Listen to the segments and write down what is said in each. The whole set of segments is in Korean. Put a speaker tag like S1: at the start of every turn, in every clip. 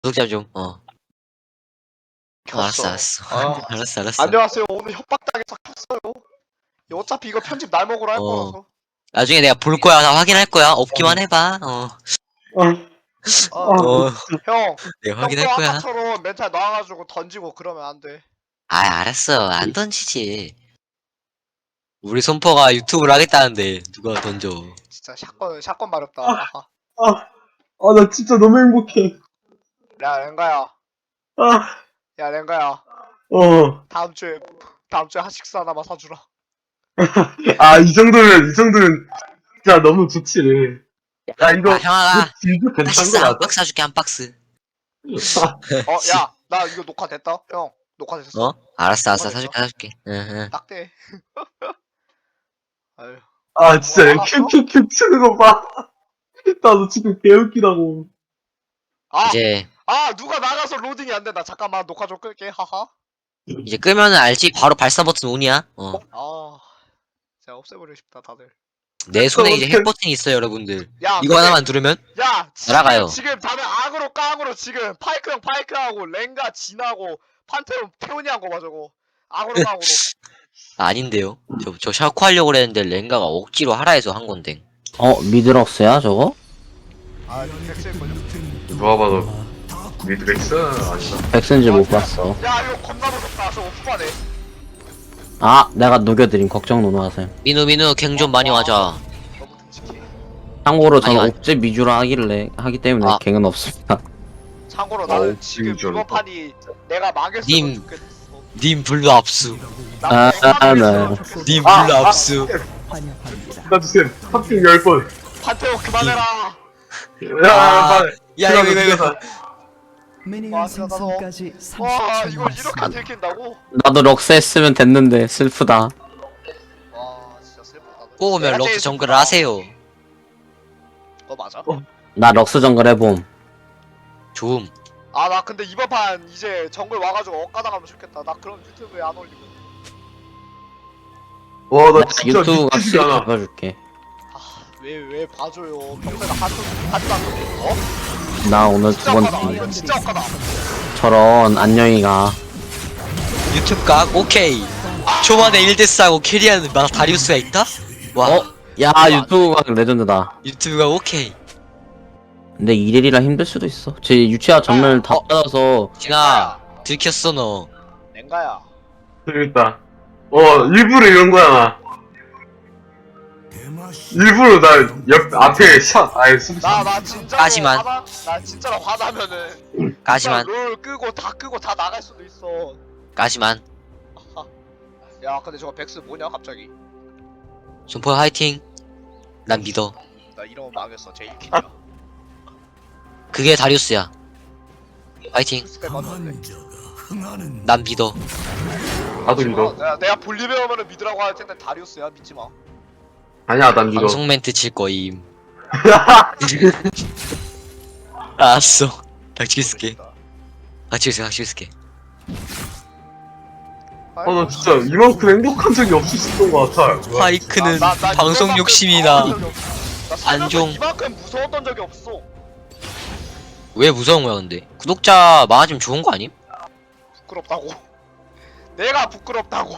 S1: 구독자 좀.
S2: 켰어.
S1: 알았어.
S2: 아,
S1: 알았어.
S2: 안녕하세요. 오늘 협박당해서 켰어요. 어차피 이거 편집 날 먹으러 할 거라서.
S1: 나중에 내가 볼 거야. 다 확인할 거야. 없기만 해봐.
S2: 아, 형,
S1: 내가
S2: 형 또
S1: 확인할 거야.
S2: 아까처럼 멘탈 나와가지고 던지고 그러면 안 돼.
S1: 아, 알았어. 안 던지지. 우리 손퍼가 유튜브를 하겠다는데 누가 던져?
S2: 진짜 샷건 마렵다.
S3: 아.
S2: 하하.
S3: 나 진짜 너무 행복해.
S2: 야, 랭가야.
S3: 아,
S2: 야, 랭가야.
S3: 어.
S2: 다음 주에 하식스 하나만 사주라.
S3: 이 정도면 진짜 너무 좋지. 야, 이거,
S1: 형아가
S3: 진짜 괜찮은
S1: 하식스
S3: 거
S1: 한
S3: 맞아?
S1: 박스 사줄게. 한 박스.
S2: 야, 나 이거 녹화됐다. 형, 녹화됐어.
S1: 알았어. 사줄게. 응.
S2: 딱대. 아유.
S3: 진짜 얘 큐큐큐 치는 거 봐. 나도 지금 개웃기다고.
S1: 이제
S2: 누가 나가서 로딩이 안 된다. 잠깐만, 녹화 좀 끌게. 하하.
S1: 끄면은 알지. 바로 발사 버튼 온이야.
S2: 진짜 없애버리고 싶다, 다들.
S1: 내 손에 이제 핵 버튼이 있어요, 여러분들.
S2: 야,
S1: 이거
S2: 근데-
S1: 하나만 누르면
S2: 야,
S1: 날아가요.
S2: 지금 다들 악으로 깡으로 지금 파이크하고 랭가 진하고 판테온 태훈이 한 거 봐 저거. 악으로 깡으로.
S1: 아닌데요. 저 샤코 하려고 그랬는데 랭가가 억지로 하라 해서 한 건데.
S4: 미드럭스야 저거?
S2: 백스일 걸려.
S3: 누가 봐도 미드렉스 아니다.
S4: 백슨지 못 봤어.
S2: 야, 이거 겁나 무섭다. 저거 후반에.
S4: 내가 녹여드림 걱정 노노하세요.
S1: 민우 갱 좀 많이 와자.
S2: 너무 듬직해.
S4: 참고로 저는
S1: 아니.
S4: 옥제 미주라 하기 때문에
S1: 아.
S4: 갱은 없습니다.
S2: 참고로 나는 지금
S3: 진짜로.
S2: 이번 판이 내가 망했어도
S1: 님.
S2: 좋겠어.
S1: 님 블루 압수.
S2: 나
S4: 네.
S1: 님 블루 압수.
S3: 주세요. 탑핑 10번.
S2: 판테온 그만해라.
S3: 빨리.
S1: 야 이거.
S5: 미니언
S2: 와, 진짜 나도-
S5: 생성까지
S2: 와,
S5: 30초
S2: 이걸 이렇게 들킨다고?
S4: 나도 럭스 했으면 됐는데 슬프다.
S2: 와, 진짜 슬프다.
S1: 꼬우면 럭스 정글을 하세요.
S2: 너 맞아?
S4: 나 럭스 정글 해봄.
S1: 좋음.
S2: 나 근데 이번 판 이제 정글 와가지고 엇가당하면 좋겠다. 나 그럼 유튜브에 안 올리면.
S3: 나
S4: 나
S3: 진짜
S4: 유튜브
S3: 믿기지가
S4: 수익
S3: 않아.
S4: 잡아줄게.
S2: 왜 봐줘요. 평소에 하지도 않고.
S4: 나 오늘 두
S2: 진짜 엇가다.
S4: 번째.
S2: 이거 진짜 엇가다.
S4: 저런 안녕이가.
S1: 유튜브 각 오케이. 초반에 1대4 하고 캐리하는 막 다리우스가 있다? 와.
S4: 야 유튜브가 레전드다.
S1: 유튜브가 오케이.
S4: 근데 1일이라 힘들 수도 있어. 제 유치아 전멸 다 받아서
S1: 진아 들켰어 너.
S2: 랭가야.
S3: 재밌다. 일부러 이런 거야, 나. 일부러 앞에 샷,
S2: 나 진짜로
S1: 까지만.
S2: 나 진짜로 화나면은
S1: 까지만.
S2: 롤 끄고 다 나갈 수도 있어.
S1: 까지만.
S2: 야, 근데 저거 백스 뭐냐 갑자기?
S1: 손포 화이팅. 난 믿어.
S2: 나 이러면 망했어. 제 1킬이야.
S1: 그게 다리우스야. 화이팅.
S2: 스펙 맞는데.
S1: 난 믿어.
S3: 나도 믿어.
S2: 내가 볼리베 오면은 믿으라고 할 텐데 다리우스야. 믿지 마.
S3: 아니야, 난 믿어.
S1: 방송 멘트 칠 거임. 알았어. 닥치겠을게. 닥치겠을게.
S3: 나 진짜 이만큼 행복한 적이 없었던 것 같아.
S1: 파이크는
S2: 나
S1: 방송
S2: 이만큼
S1: 욕심이다.
S2: 당한 적이 없어. 나 살면서
S1: 안종.
S2: 이만큼 무서웠던 적이 없어.
S1: 왜 무서운 거야 근데? 구독자 많아지면 좋은 거 아님?
S2: 부끄럽다고. 내가 부끄럽다고.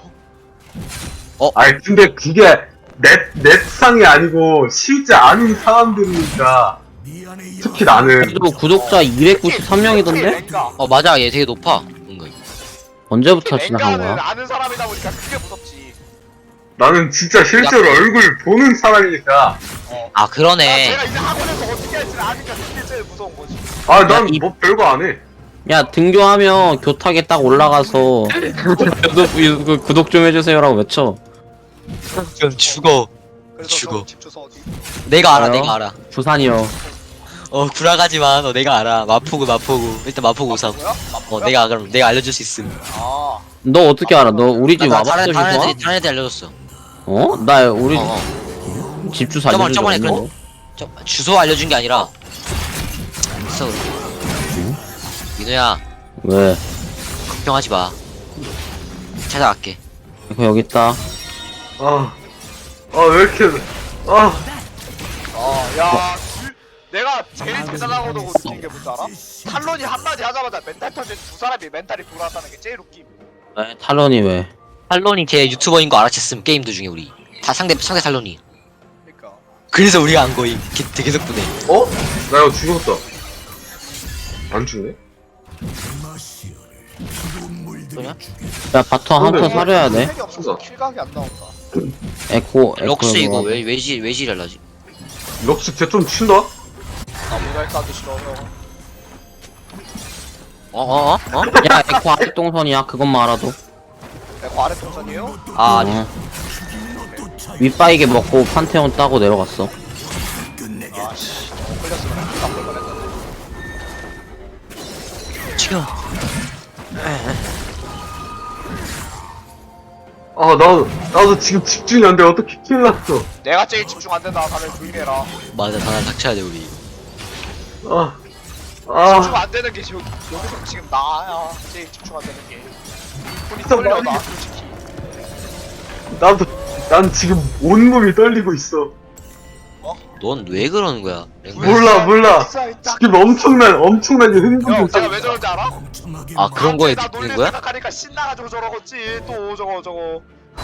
S3: 근데 그게 넷상이 아니고 실제 아는 사람들이니까. 특히 나는.
S4: 그래도 구독자 293명이던데?
S2: 랭가.
S1: 맞아 얘 되게 높아 은근.
S4: 언제부터 지나간
S2: 랭가는
S4: 거야?
S2: 아는 사람이다 보니까 그게 무섭지.
S3: 나는 진짜 실제로 얼굴 보는 사람이니까.
S1: 그러네.
S2: 제가 이제 학원에서 어떻게 할지 아니까 그게 제일 무서운 거지.
S3: 난
S4: 이-
S3: 뭐 별거 안 해.
S4: 야 등교하면 교탁에 딱 올라가서 구독 좀 해주세요라고 외쳐.
S1: 그럼 죽어.
S2: 그래서
S1: 죽어.
S2: 저 집 주소 어디?
S1: 내가 알아
S4: 알아요?
S1: 내가 알아.
S4: 부산이요.
S1: 구라가지마. 너 내가 알아. 마포구. 일단 마포구 우선.
S2: 뭐야?
S1: 그럼 내가 알려줄 수 있음.
S4: 너 어떻게 알아? 너 우리 집 와봤어 주소?
S1: 다른 애들 알려줬어.
S4: 나 우리
S1: 어.
S4: 집 주소 알려준 적
S1: 저번에
S4: 없는데?
S1: 주소 알려준 게 아니라. 있어. 민우야
S4: 왜?
S1: 걱정하지 마. 찾아갈게.
S4: 이거 여기 있다.
S3: 왜 이렇게.
S2: 야, 내가 제일 대단하다고 느낀 게 뭔지 알아? 탈론이 한마디 하자마자 멘탈 터진 두 사람이 멘탈이 돌아왔다는 게 제일 웃김.
S4: 에, 탈론이 왜?
S1: 탈론이 걔 유튜버인 거 알아챘음 게임들 중에 우리 다 상대 탈론이.
S2: 그니까
S1: 그래서 우리가 안 거임. 걔 덕분에.
S3: 어? 나 이거 죽었다. 안 죽네?
S1: 뭐냐?
S4: 야 바텀 한턴 사려야 돼.
S2: 팩이 없어서 킬각이 안 나온다.
S4: 에코
S1: 럭스 이거
S4: 뭐.
S1: 왜 지랄라지?
S3: 럭스 쟤좀 친다?
S2: 나 모자이크하기 싫어 형.
S1: 어?
S4: 야 에코 아랫동선이야 그것만 알아도.
S2: 내가 아래 동선이에요?
S1: 아 아니.
S4: 어. 윗바이게 먹고 판테온 따고 내려갔어.
S2: 아씨 너무 걸렸으면 안 걸만 했는데.
S1: 지금
S3: 아, 나도 지금 집중이 안 돼. 어떻게 킬 났어.
S2: 내가 제일 집중 안 된다. 다들 조용히 해라.
S1: 맞아 다날 닥쳐야 돼 우리.
S2: 집중 안 되는 게 여기서 지금 나야. 제일 집중 안 되는 게. 손이
S3: 진짜
S2: 떨려
S3: 많이-
S2: 나 솔직히.
S3: 난 지금 온몸이 떨리고 있어.
S1: 넌 왜 그러는 거야?
S3: 몰라. 지금 엄청나게
S2: 형
S3: 흥분돼.
S2: 제가 왜 저런지 알아?
S1: 아 그런 거에
S2: 나
S1: 듣는
S2: 놀릴
S1: 거야?
S2: 생각하니까 신나가지고 저러겠지. 또 저거.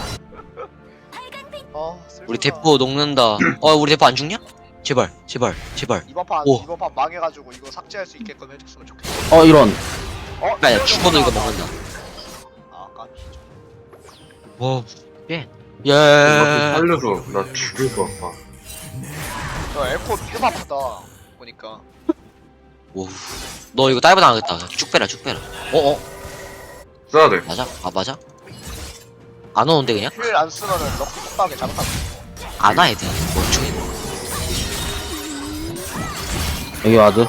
S1: 우리 대포 녹는다. 우리 대포 안 죽냐? 제발.
S2: 이번 판
S1: 오.
S2: 망해가지고 이거 삭제할 수 있게끔 해줬으면 좋겠어.
S4: 이런.
S1: 야 죽어도 이거 먹는다.
S2: 아 깜짝이야.
S1: 와. 예.
S3: 나 살려줘. 나 죽을 것 같아.
S2: 저 에코 미드 아프다 보니까.
S1: 오. 너 이거 다이브 당하겠다. 쭉 빼라.
S3: 써야 돼.
S1: 맞아? 맞아? 안 오는데 그냥?
S2: 힐 안 쓰면은 럭키 폭하게 잘못하면.
S1: 안 와 애들. 멍청이.
S4: 여기 와드.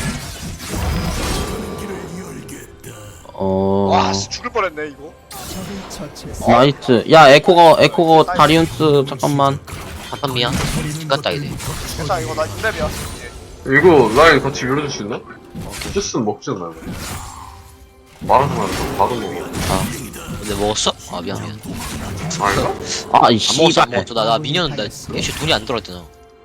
S2: 와 씨, 죽을 뻔했네 이거.
S4: 나이스. 야 에코가 다리운스 잠깐만.
S1: 잠깐 미안. 죽겠다 이제.
S2: 괜찮아 이거 나 6렙이야 이제.
S3: 이거 라인 같이 밀어줄 수 있나? 주스는 먹지 않나? 말하지 말고 바로 먹어.
S1: 근데 먹었어? 아 미안.
S3: 아닌가?
S4: 아 이
S1: 안 먹었어 안
S4: 씨발.
S1: 먹었어. 나 미니언 나 애초에 돈이 안 들어왔잖아.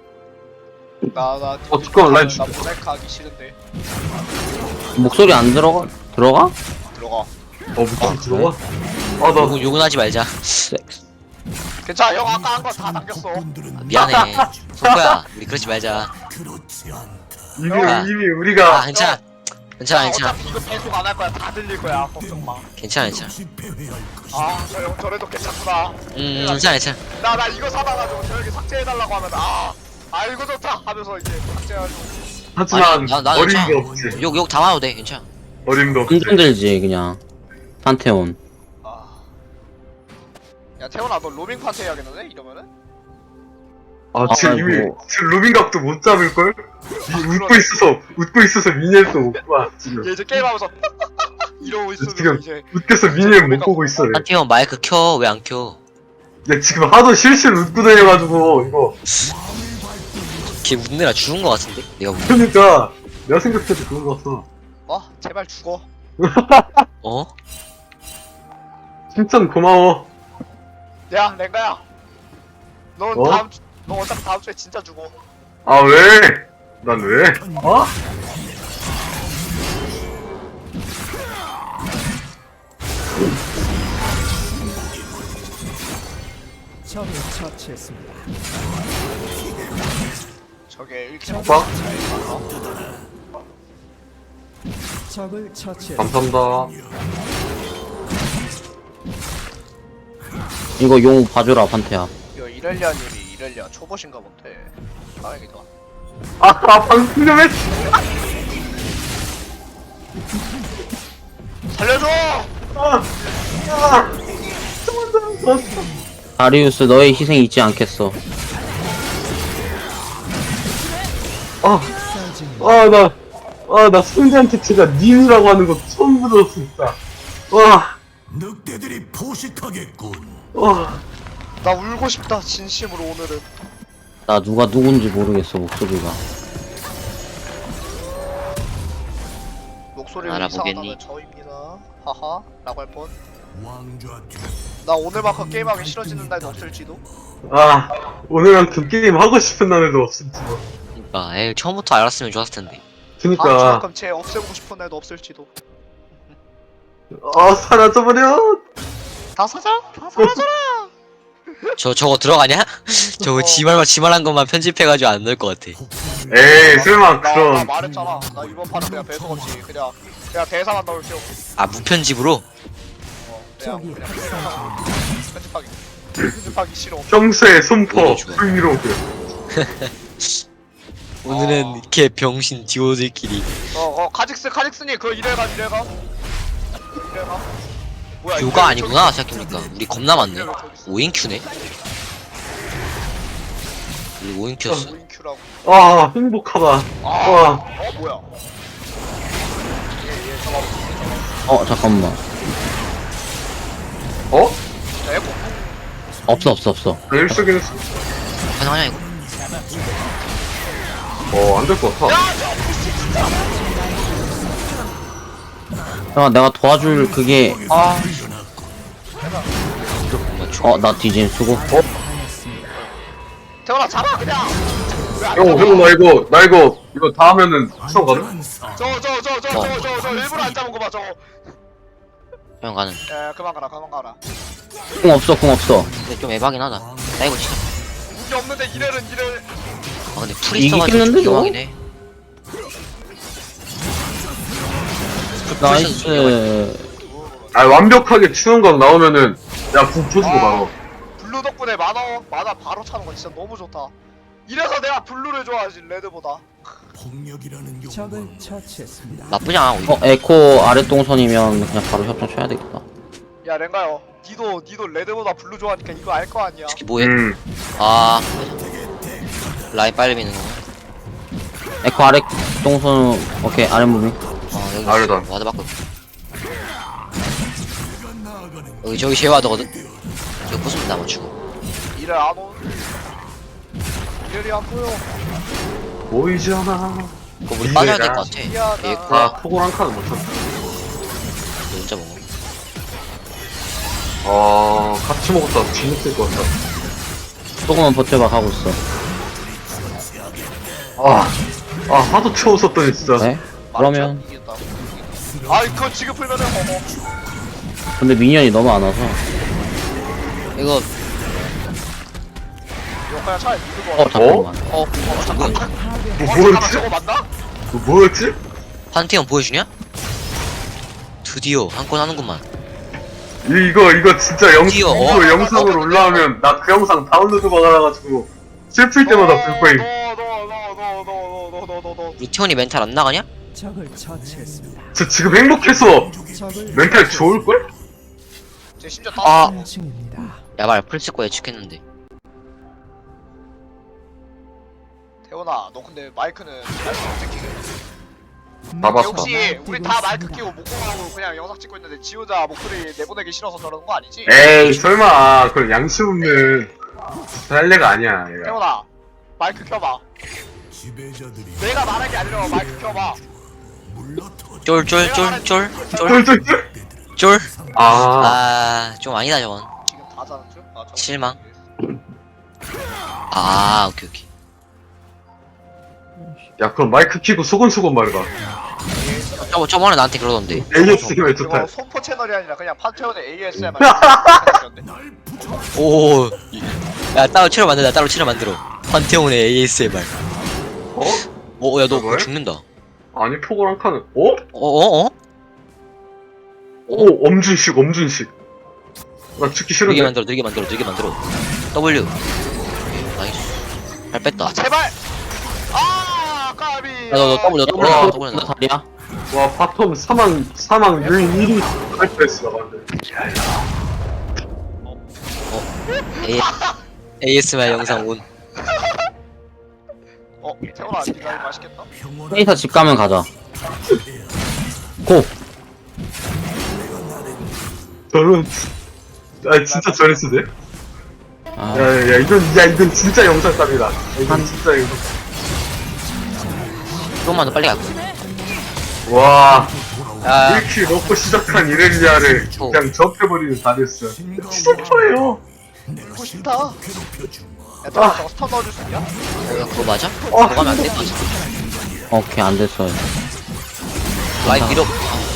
S2: 나
S3: 잠깐만, 라인
S2: 나 모자이크 하기 싫은데.
S4: 목소리 안 들어가? 들어가?
S2: 들어가.
S3: 무슨 들어와? 나
S1: 욕은 하지 말자.
S2: 괜찮아 형 아까 한 거 다 남겼어.
S1: 미안해. 성구야 우리 그러지 말자.
S3: 이미 우리가
S1: 괜찮아. 괜찮아.
S2: 어차피 이거 계속 안 할 거야. 다 들릴 거야. 걱정 마.
S1: 괜찮아.
S2: 아, 저 형 저래도 괜찮구나.
S1: 괜찮아.
S2: 나 이거 사봐가지고 저 형이 삭제해달라고 하면 이거 좋다 하면서 이제 삭제해가지고.
S3: 하지만
S1: 아니, 나
S3: 어림도
S1: 괜찮아.
S3: 없지.
S1: 욕 다 와도 돼. 괜찮아.
S3: 어림도 없지.
S4: 완전 들지 그냥. 판테온.
S2: 야 태훈아 너 로밍 판테 해야겠는데 이러면은?
S3: 지금 이미
S4: 아이고.
S3: 지금 루빙각도 못 잡을 걸? 웃고 있어서 미니엘도 못 봐. 지금
S2: 얘 이제 게임하면서 이러고 있으면
S3: 지금
S2: 이제
S3: 웃겨서 미니엘 못 보고 있어. 얘.
S1: 한태형 마이크 켜. 왜 안 켜?
S3: 얘 지금 하도 실실 웃고 다녀가지고 이거.
S1: 걔 웃느라 죽은 거 같은데? 내가 웃.
S3: 그러니까 내가 생각해도 그런 거 같아.
S2: 제발 죽어.
S1: 어?
S3: 칭찬 고마워.
S2: 야 랭가야 넌
S3: 어?
S2: 너 어차피 다음 주에 진짜 죽어.
S3: 아 왜? 난 왜?
S5: 적을 처치했습니다.
S2: 저게 1킬
S3: 오빠?
S5: 적을 처치했습니다.
S3: 감사합니다.
S4: 이거 용 봐주라 판테야.
S2: 이거 이렐리아님이 이렐리아 초보신가 본데. 다행이다.
S3: 방금 좀 했지.
S2: 살려줘!
S4: 다리우스 너의 희생 잊지 않겠어.
S3: 나 순대한테 제가 님이라고 하는 거 처음 들었어, 진짜.
S6: 늑대들이 포식하겠군.
S2: 나 울고 싶다 진심으로 오늘은.
S4: 나 누가 누군지 모르겠어 목소리가.
S2: 목소리를
S1: 알아보겠니?
S2: 이상하다면 저입니다. 하하 라고 할 뻔.
S6: 왕좌 뒤
S2: 나 오늘만큼 게임하기 싫어지는 날도 없을지도.
S3: 오늘만큼 게임 하고 싶은 날에도 없을지도.
S1: 그니까 에이 처음부터 알았으면 좋았을 텐데.
S3: 그니까
S2: 그럼 쟤 없애고 싶은 애도 없을지도.
S3: 사라져버려.
S2: 다 사자. 다 사라져라.
S1: 저거 들어가냐? 저거
S2: 어.
S1: 지말한 것만 편집해가지고 안 넣을 것 같아.
S3: 에이 설마
S2: 나
S3: 그런.
S2: 말했잖아. 나 이번 판은 그냥 배속 없이 그냥 대사만 넣을게요.
S1: 아 무편집으로?
S5: 적이
S2: 그냥
S5: 학살
S2: 편집하기 싫어.
S3: 평소의 손퍼
S1: 오히려 좋아.
S3: 브이로그.
S1: 오늘은 이렇게 병신 듀오들끼리
S2: 카직스님 그거 이래가. 뭐야?
S1: 듀오가 아니구나 생각해보니까. 우리 겁나 많네. 5인큐네? 우리 5인큐였어.
S2: 오인큐라고.
S3: 아 행복하다. 와.
S2: 뭐야? 얘 잠깐만.
S4: 잠깐만.
S3: 어?
S2: 에고.
S4: 없어.
S3: 내일 쓰긴 했어.
S1: 가능하냐 이거?
S3: 안 될 것 같아.
S4: 내가 도와줄 그게 나 뒤진 수고.
S2: 태원아 잡아 그냥.
S3: 형, 나 이거 다 하면은 수업 가능?
S2: 저 일부러 안 잡은 거 봐 저거.
S1: 형 가는.
S2: 그만 가라.
S4: 궁 없어.
S1: 근데 좀 에바긴 하다. 나 이거 진짜.
S2: 무기 없는데 이래.
S1: 아 근데 풀이 써가지고
S4: 이기겠는데,
S1: 좀
S4: 저거?
S1: 위험하긴 해.
S4: 나이스.
S3: 완벽하게 추운각 나오면은 야붕 터지고 바로.
S2: 블루 덕분에 만화 바로 차는 거 진짜 너무 좋다. 이래서 내가 블루를 좋아하지 레드보다.
S6: 폭력이라는
S5: 적을
S6: 욕망.
S5: 처치했습니다.
S1: 나쁘지 않아 오히려.
S4: 에코 아랫동선이면 그냥 바로 협정 쳐야 되겠다.
S2: 야 랭가요. 니도 레드보다 블루 좋아하니까 이거 알 거 아니야.
S1: 특히 뭐해?
S3: 아
S1: 라인 빨리 미는 거.
S4: 에코 아랫동선 오케이 아랫무빙.
S1: 여기
S3: 아래다.
S1: 와드 바꿔. 여기 저기 쉐와드거든. 저기 부수면 나 맞추고.
S2: 이래 안 오. 이래리 안 보여.
S3: 보이잖아.
S1: 그거 우리 빠져야 될 것
S3: 미래가.
S1: 같아.
S2: 미안하다.
S1: 에코야
S3: 포골 한 칸은 못 쳤어.
S1: 너 혼자 먹어.
S3: 같이 먹었다. 재밌을 것 같다.
S4: 조금만 버텨봐 가고 있어.
S3: 하도 채웠었더니 진짜.
S4: 네? 그러면
S2: 이겼다. 아 이거 지금 풀면은
S4: 근데 미니언이 너무 안 와서.
S1: 이거
S2: 이거 그냥 차라리 밀고
S4: 잠깐만.
S1: 잠깐.
S3: 뭐였지?
S2: 저거 맞나?
S3: 뭐였지?
S1: 판테온 보여주냐? 드디어 한 건 하는구만.
S3: 이거 진짜
S1: 드디어,
S3: 이거 영상으로 올라오면 나 그 영상 다운로드 받아가지고 슬플 때마다 불 거임.
S2: 너.
S1: 우리 티온이 멘탈 안 나가냐?
S5: 적을 처치했습니다.
S3: 저 지금 행복해서
S5: 적을
S3: 멘탈 좋을걸?
S2: 제 심지어
S1: 아.
S2: 다
S5: 중입니다.
S1: 야발 풀스코 예측했는데.
S2: 태원아 너 근데 마이크는 언제 끼게?
S3: 다 봤어.
S2: 혹시 우리 다 마이크 끼고 목공하고 그냥 영상 찍고 있는데 지 혼자 목소리 내보내기 싫어서 저러는 거 아니지?
S3: 에이 설마 그런 양심 없는 할래가 아니야 얘가.
S2: 태원아 마이크 켜봐.
S6: 지배자들이
S2: 내가 말한 게 아니라 마이크 켜봐.
S6: 물러터
S1: 쫄쫄쫄쫄쫄
S3: 쫄쫄쫄.
S1: 좀 아니다 저건.
S2: 지금 다 자는 줄? 아, 저거.
S1: 실망. 오케이.
S3: 야 그럼 마이크 키고 소곤소곤 말해봐.
S1: 저번에 나한테 그러던데.
S3: AS가 왜 좋다.
S2: 이거 손포 채널이 아니라 그냥 판테온의 ASMR.
S1: 오. 야 따로 채널 만들어. 판테온의 ASMR. 야 너
S3: 왜?
S1: 죽는다.
S3: 아니 포골 한 칸은 엄준식. 나 죽기
S1: 느리게
S3: 싫은데.
S1: 만들어. W. 나이스. 잘 뺐다.
S2: 제발. 까비.
S1: 너 W
S4: 나 다리야?
S3: 와 바텀 사망 유인 1위 할 뻔했어 나 방금.
S1: ASMR 영상 온.
S2: 태원아 니가 이거 맛있겠다.
S6: 평온한
S4: 페이사 집 가면 가자. 고!
S3: 저는 진짜 저랬으네.
S4: 아,
S3: 야 이건 진짜 영상감이다. 이건 진짜 이거.
S1: 조금만 더 빨리 갈거.
S3: 와
S1: 야
S3: 1킬 넣고 시작한 이렐리아를 그냥 접해버리는 다리였어. 진짜 좋아요.
S6: 내가
S2: 싶다.
S6: 괴롭혀주마.
S2: 얘들아 저거 스턴 넣어줄 수 있냐?
S1: 야, 그거 맞아? 그거 가면 안 돼? 맞아.
S4: 오케이 안 됐어요.
S1: 라인 밀어.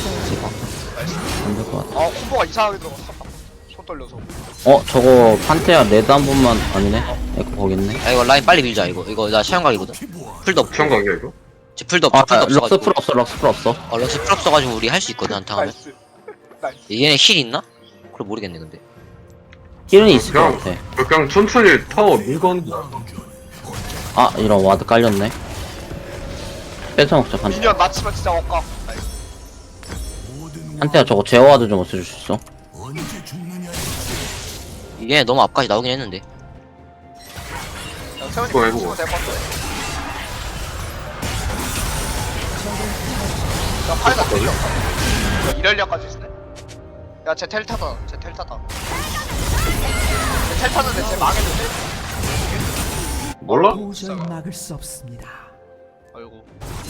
S4: 안 될 것 같아.
S2: 콤보가 이상하게 들어갔어. 손 떨려서.
S4: 저거 판테아 레드 한 번만 아니네. 에코 거겠네.
S1: 야, 이거 라인 빨리 밀자, 이거 나 시험각이거든? 풀도 없고.
S3: 시험각이야 이거?
S1: 쟤 풀도
S4: 아,
S1: 없고, 풀도
S4: 럭스
S1: 없어가지고.
S4: 풀 없어, 럭스 풀 없어.
S1: 럭스 풀 없어가지고 우리 할 수 있거든, 한타 하면.
S2: 나이스. 나이스.
S1: 얘네 힐 있나? 그걸 모르겠네, 근데.
S4: 힐은 있을 것
S3: 그냥,
S4: 같아.
S3: 그냥 천천히 타워 밀건
S4: 아, 이런 와드 깔렸네. 뺏어먹자, 판테.
S2: 미니언 맞추면 진짜 억까. 나이스.
S6: 모든
S4: 판테아 저거 제어 와드 좀 없애줄 수 있어?
S6: 언제 죽느냐
S1: 얘네 너무 앞까지 나오긴 했는데.
S2: 야, 세훈이
S3: 이거 해보고.
S2: 치면 될것 같아. 야, 팔다 때려. 야, 이럴려까지 있네. 야, 쟤 텔 타다. 쟤 텔 타다. 쟤 텔 타는데 쟤 망했는데?
S3: 몰라?
S5: 도저히 막을 수 없습니다.
S2: 아이고.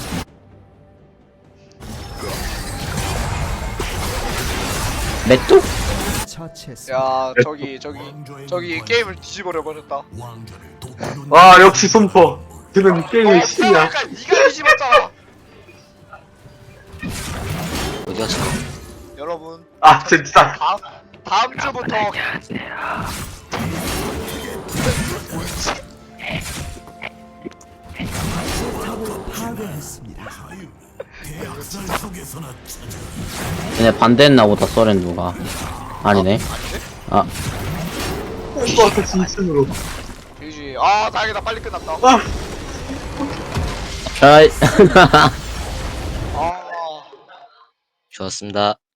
S4: 메뚜?
S5: 처치했습니다.
S2: 야, 저기 게임을 뒤집어려 버렸다.
S6: 왕자를 돕고는
S3: 아 역시 손퍼 그는 게임의 신이야
S2: 그러니까 니가 뒤집었잖아.
S1: 어디 갔어?
S2: 여러분,
S3: 아 진짜
S2: 다음 주부터
S5: 파괴했습니다.
S6: 대학살 속에서나 찾아
S4: 얘네 반대했나 보다, 써렌 누가. 아니네. 아,
S3: 손퍼한테 진심으로
S2: 이지. 아, 다행이다. 빨리 끝났다.
S4: 아이.
S2: 아.
S1: 좋았습니다.